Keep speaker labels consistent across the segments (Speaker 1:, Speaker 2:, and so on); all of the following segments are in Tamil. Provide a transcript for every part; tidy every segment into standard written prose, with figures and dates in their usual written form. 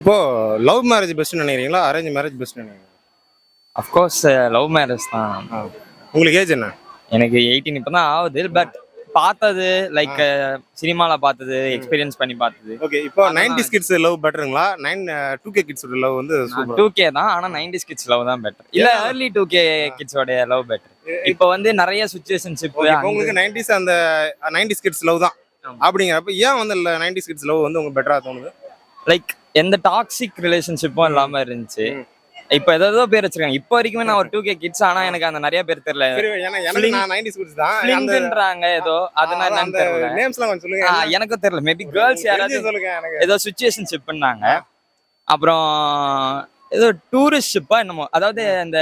Speaker 1: இப்போ லவ் மேரேஜ் பெஸ்ட்னு நினைக்கிறீங்களா? அரேஞ்ச் மேரேஜ் பெஸ்ட்னு நினைக்கிறீங்களா?
Speaker 2: அஃப்கோர்ஸ் லவ் மேரேஜ் தான்.
Speaker 1: ஆ. உங்களுக்கு ஏஜ் என்ன?
Speaker 2: எனக்கு 18 இப்போ தான் ஆகுது. பட் பார்த்தது லைக் சினிமால பார்த்தது, எக்ஸ்பீரியன்ஸ் பண்ணி பார்த்தது.
Speaker 1: ஓகே. இப்போ
Speaker 2: அதெல்லாம்
Speaker 1: 90s கிட்ஸ் லவ் பெட்டருங்களா? 2K கிட்ஸோட லவ் வந்து
Speaker 2: நான்
Speaker 1: சூப்பர்.
Speaker 2: 2K தான். ஆனா 90s கிட்ஸ் லவ் தான் பெட்டர். இல்ல
Speaker 1: ஏன்னா
Speaker 2: early 2K கிட்ஸோட லவ் பெட்டர். இப்போ வந்து நிறைய சிச்சுவேஷன்ஷிப்
Speaker 1: ஓகே. இப்போ உங்களுக்கு 90s அந்த 90s கிட்ஸ் லவ் தான். அப்படிங்கிறப்ப ஏன் வந்து 90s கிட்ஸ் லவ் வந்து உங்களுக்கு பெட்டரா தோணுது?
Speaker 2: லைக் எந்த டாக்ஸிக் ரிலேஷன்ஷிப்பும் இல்லாம இருந்துச்சு. இப்போ ஏதோ பேர் வச்சிருக்காங்க. இப்போ வரைக்குமே நான் ஒரு 2K கிட்ஸ். ஆனா எனக்கு அந்த நிறைய பேர் தெரியல.
Speaker 1: சரி, ஏன்னா எனக்கு நான் 90s கிட்ஸ் தான். அந்த
Speaker 2: ஃபிளிங்ன்றாங்க ஏதோ அதனால என்னன்னு
Speaker 1: அந்த
Speaker 2: தெரியல.
Speaker 1: நேம்ஸ்லாம் கொஞ்சம் சொல்லுங்க.
Speaker 2: எனக்கும் தெரியல. மேபி கேர்ள்ஸ் யாராவது
Speaker 1: தெரிஞ்சு சொல்லுங்க எனக்கு.
Speaker 2: ஏதோ சிச்சுவேஷன்ஷிப்னாங்க. அப்புறம் ஏதோ டூரிஸ்ட்ஷிப்பா என்னமோ, அதாவது அந்த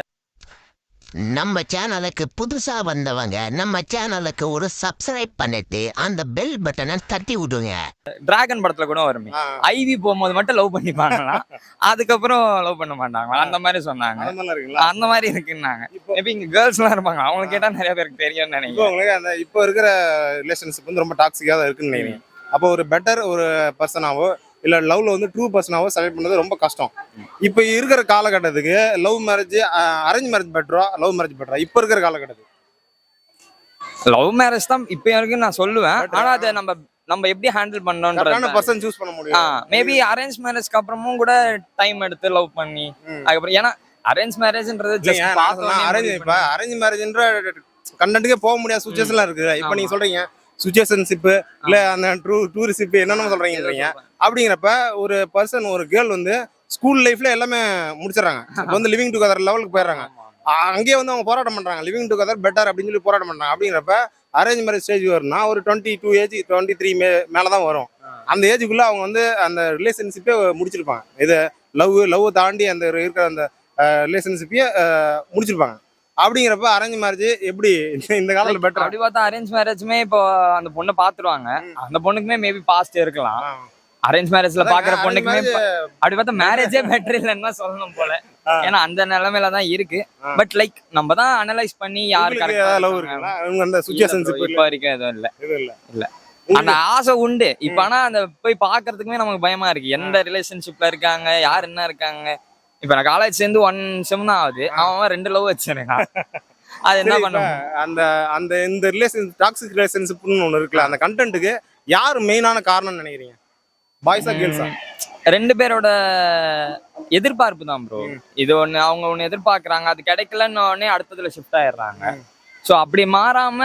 Speaker 3: நம்ம சேனலுக்கு புதுசா வந்தவங்க நம்ம சேனலுக்கு ஒரு சப்ஸ்கிரைப் பண்ணிட்டு அந்த பெல் பட்டனை தட்டி விடுங்க.
Speaker 2: டிராகன் படத்துல கூட வருமே, ஐவி போகும்போது மட்டும் லவ் பண்ணிப்பாங்களாம், அதுக்கப்புறம் லவ் பண்ண மாட்டாங்களா, அந்த மாதிரி சொன்னாங்க.
Speaker 1: அந்த மாதிரிலாம் இருக்குங்களா?
Speaker 2: அந்த மாதிரி இருக்குன்னாங்க. மேபி இங்க கேர்ள்ஸ் எல்லாம் இருப்பாங்க, அவங்க கேட்டா நிறைய பேருக்கு தெரியும்னு
Speaker 1: இப்போ
Speaker 2: நினைக்கிறேன்.
Speaker 1: உங்களுக்கு அந்த இப்போ இருக்கிற ரிலேஷன்ஷிப் வந்து ரொம்ப டாக்ஸிக்காக தான் இருக்குன்னு நினைக்கிறீங்க. அப்போ ஒரு பெட்டர் ஒரு பர்சனாவோ இல்லை லவ்ல வந்து ட்ரூ பர்சனாவோ செலக்ட் பண்ணது ரொம்ப கஷ்டம். இப்போ இருக்கிற காலகட்டத்துக்கு லவ் மேரேஜ் அரேஞ்ச் மேரேஜ் பெட்டரா லவ் மேரேஜ் பெட்டரா இப்போ இருக்கிற காலகட்டத்துக்கு?
Speaker 2: லவ் மேரேஜ் தான் இப்போ வரைக்கும் நான் சொல்லுவேன். ஆனா அதை நம்ம எப்படி ஹேண்டில்
Speaker 1: கரெக்டான
Speaker 2: பண்ணோன்றது.
Speaker 1: பர்சன் சூஸ் பண்ண முடியும்.
Speaker 2: மேபி அரேஞ்ச் மேரேஜ்க்கு அப்புறமும் கூட டைம் எடுத்து லவ் பண்ணி அதுக்கப்புறம், ஏன்னா அரேஞ்ச் மேரேஜ்ன்றது
Speaker 1: அரேஞ்ச் மேரேஜ்ன்ற கண்டென்ட்டுக்கே போக முடியாத சுச்சுவேஷன்லாம் இருக்குது. இப்போ நீங்க சொல்றீங்க சுச்சுவேஷன்ஷிப் இல்ல அந்த டூரிஸ்ட் என்னென்ன சொல்றீங்க. அப்படிங்கிறப்ப ஒரு பர்சன் ஒரு கேர்ள் வந்து ஸ்கூல் லைஃப்ல எல்லாமே முடிச்சிடறாங்க. இப்போ வந்து லிவிங் டுகெதர் லெவலுக்கு போயிடுறாங்க. அங்கேயே வந்து அவங்க போராட்டம் பண்றாங்க, லிவிங் டுகெதர் பெட்டர் அப்படின்னு சொல்லி போராட்டம் பண்றாங்க. அப்படிங்கிறப்ப அரேஞ்ச் மேரேஜ் ஸ்டேஜ் வரும்னா ஒரு 22 ஏஜ் 23 மேலதான் வரும். அந்த ஏஜுக்குள்ள அவங்க வந்து அந்த ரிலேஷன்ஷிப்பே முடிச்சிருப்பாங்க. இது லவ் தாண்டி அந்த இருக்கிற அந்த ரிலேஷன்ஷிப்பையே முடிச்சிருப்பாங்க. அப்படிங்கிறப்ப அரேஞ்ச் மேரேஜ் எப்படி இந்த காலத்துல பெட்டர்?
Speaker 2: அப்படி பார்த்தா அரேஞ்ச் மேரேஜ்மே இப்போ அந்த பொண்ணை பாத்துருவாங்க. அந்த பொண்ணுக்குமே மேபி பாஸ்ட் இருக்கலாம். அரேஞ்ச் மேரேஜ்ல பாக்குற பொண்ணுக்குமே அப்படி பார்த்தா மேரேஜே பெட்டர் இல்லைன்னு தான் சொல்லணும் போல. ஏன்னா அந்த நிலைமையில தான் இருக்கு. பட் லைக் நம்ம தான் அனலைஸ் பண்ணி யாரு
Speaker 1: லவ் இருக்குங்களா அந்த சுச்சுவேஷன்ஷிப்
Speaker 2: இப்போ வரைக்கும் எதுவும் இல்ல. அந்த ஆசை உண்டு. இப்ப ஆனா அந்த போய் பாக்குறதுக்குமே நமக்கு பயமா இருக்கு. எந்த ரிலேஷன்ஷிப்ல இருக்காங்க, யார் என்ன இருக்காங்க. இப்ப நான் காலேஜ் சேர்ந்து 1 செம் தான் ஆகுது. அவன் 2 லவ் வச்சிருக்கான். அது என்ன பண்ண
Speaker 1: அந்த அந்த இந்த ரிலேஷன் டாக்ஸிக் ரிலேஷன்ஷிப்னு ஒன்று இருக்குல்ல, அந்த கண்டென்ட்டுக்கு யார் மெயினான காரணம்னு நினைக்கிறீங்க? பாய்ஸா கேர்ள்ஸா?
Speaker 2: 2 பேரோட எதிர்பார்ப்பு தான் ப்ரோ. இது அவங்க ஒண்ணு எதிர்பார்க்கறாங்க, அது கிடைக்கலன்னு உடனே அடுத்ததுல ஷிஃப்ட் ஆயிடுறாங்க. சோ அப்படி மாறாம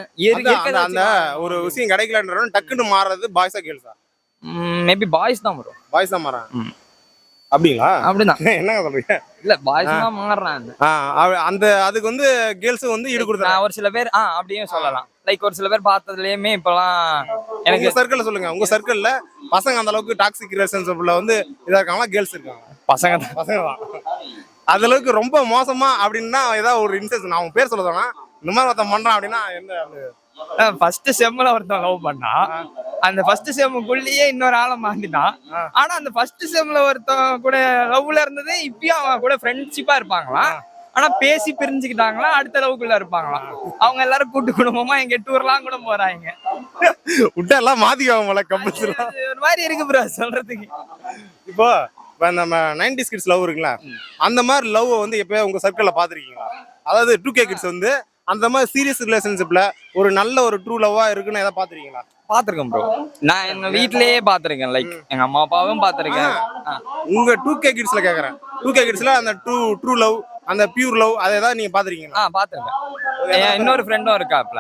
Speaker 1: அந்த ஒரு விஷயம் கிடைக்கலன்ற டக்குன்னு மாறுறது பாய்ஸா கேர்ள்ஸா?
Speaker 2: மேபி பாய்ஸ் தான் ப்ரோ.
Speaker 1: பாய்ஸ் தான் மாறாங்க. அப்படிங்களா?
Speaker 2: அப்படிதான்.
Speaker 1: என்னங்க சொல்றீங்க?
Speaker 2: இல்ல பாய்ஸ் தான் மாறுறாங்க.
Speaker 1: அந்த அதுக்கு வந்து கேர்ள்ஸ் வந்து ஈடு கொடுத்தாங்க.
Speaker 2: ஒரு சில பேர் அப்படியே சொல்லலாம். லைக் ஒரு சில பேர் பார்த்ததுலயுமே இப்பெல்லாம்
Speaker 1: எனக்கு சர்க்கிள்ல சொல்லுங்க. உங்க சர்க்கிள்ல பசங்க அந்த அளவுக்கு டாக்ஸிக் ரிலேஷன்ஷிப்ல வந்து இதா இருக்காங்களா? கேர்ள்ஸ் இருக்காங்க? பசங்க தான். அந்த அளவுக்கு ரொம்ப மோசமா அப்படின்னா ஏதாவது ஒரு இன்சென்ஸ் நான் பேர் சொல்ல சொன்னா இந்த மாதிரி ஒருத்தன் பண்றான் அப்படின்னா என்ன?
Speaker 2: ஃபர்ஸ்ட் செம்ல ஒருத்தன் லவ் பண்ணா, அந்த ஃபர்ஸ்ட் செம்முக்குள்ளேயே இன்னொரு ஆளை மாத்திட்டான். ஆனா அந்த ஃபர்ஸ்ட் செம்ல ஒருத்தன் கூட லவ்ல இருந்தது இப்பயும் அவன் கூட ஃப்ரெண்ட்ஷிப்பா இருப்பாங்களா. ஆனா பேசி பிரிஞ்சுக்கிட்டாங்களா, அடுத்த லவ்க்குள்ள இருப்பாங்களாம். அவங்க எல்லாரும் கூட்டு குடும்பமா எங்க டூர்லாம் கூட போறாங்க.
Speaker 1: விட்டா எல்லாம் மாத்திக்குவாங்க கம்பல்சரி.
Speaker 2: ஒரு மாதிரி இருக்கு ப்ரோ சொல்றதுக்கு.
Speaker 1: இப்போ நம்ம 90s கிட்ஸ் லவ் இருக்குல்ல, அந்த மாதிரி லவ் வந்து எப்பயாவது உங்க சர்க்கிள்ல பாத்திருக்கீங்களா? அதாவது 2K கிட்ஸ் வந்து அந்த மாதிரி சீரியஸ் ரிலேஷன்ஷிப்ல ஒரு நல்ல ஒரு ட்ரூ லவ்வா இருக்குன்னு ஏதாவது பாத்திருக்கீங்களா?
Speaker 2: பாத்திருக்கேன் ப்ரோ. நான் எங்க வீட்லயே பாத்திருக்கேன். லைக் எங்க அம்மா அப்பாவும் பாத்திருக்கேன்.
Speaker 1: உங்க 2K கிட்ஸ்ல கேக்குறேன். 2K கிட்ஸ்ல அந்த ட்ரூ லவ், அந்த பியூர் லவ் அதை ஏதாவது நீங்க பாத்திருக்கீங்களா?
Speaker 2: பாத்திருக்கேன். இன்னொரு ஃப்ரெண்டும் இருக்காப்ல.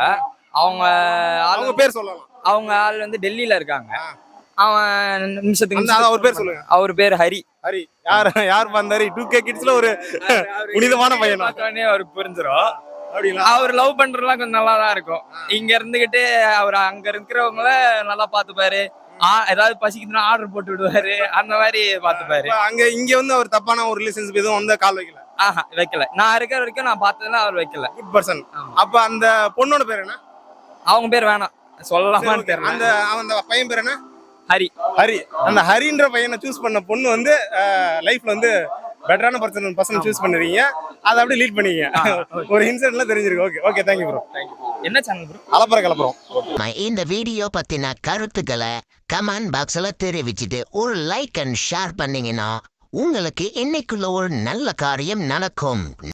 Speaker 2: அவங்க
Speaker 1: பேர் சொல்லலாம்.
Speaker 2: அவங்க ஆள் வந்து டெல்லியில இருக்காங்க. அவன் நிமிஷத்துக்கு
Speaker 1: அவர் பேர் சொல்லுங்க.
Speaker 2: அவர் பேர் ஹரி.
Speaker 1: யார் வந்தாரு? 2K கிட்ஸ்ல ஒரு புனிதமான பையன்.
Speaker 2: அவருக்கு புரிஞ்சிடும். அவர் லவ் பண்றதுலாம் கொஞ்சம் நல்லா தான் இருக்கும். இங்க இருந்துகிட்டு அவர் அங்க இருக்கிறவங்கள நல்லா பாத்துப்பாரு. ஏதாவது பசிக்குதுன்னா ஆர்டர் போட்டு விடுவாரு. அந்த மாதிரி பாத்துப்பாரு.
Speaker 1: இங்க வந்து அவர் தப்பான ஒரு ரிலேஷன்ஷிப் எதுவும் வந்து கால் வைக்கல?
Speaker 2: வைக்கல. நான் இருக்கிற வரைக்கும் நான் பார்த்ததுல அவர் வைக்கல.
Speaker 1: Good person. அப்ப அந்த பொண்ணோட பேர் என்ன?
Speaker 2: அவங்க பேர் வேணாம் சொல்லலாமான்னு தெரியல.
Speaker 1: அந்த பையன் பேர் என்ன?
Speaker 2: ஹரி.
Speaker 1: அந்த ஹரின்ற பையனை சூஸ் பண்ண பொண்ணு வந்து லைஃப்ல வந்து பெட்டரான பர்சன் சூஸ் பண்ணுவீங்க, அதை அப்படியே லீட் பண்ணுவீங்க. ஒரு இன்சிடென்ட்ல தெரிஞ்சிருக்கு. Okay okay, thank you bro.
Speaker 2: என்ன சேனல் ப்ரோ?
Speaker 1: அலப்பற கலப்புறோம்.
Speaker 3: இந்த வீடியோ பத்தின கருத்துக்களை கமெண்ட் பாக்ஸ்ல தெரிவிச்சுட்டு ஒரு லைக் அண்ட் ஷேர் பண்ணீங்கன்னா உங்களுக்கு இன்னைக்குள்ள ஒரு நல்ல காரியம் நடக்கும்.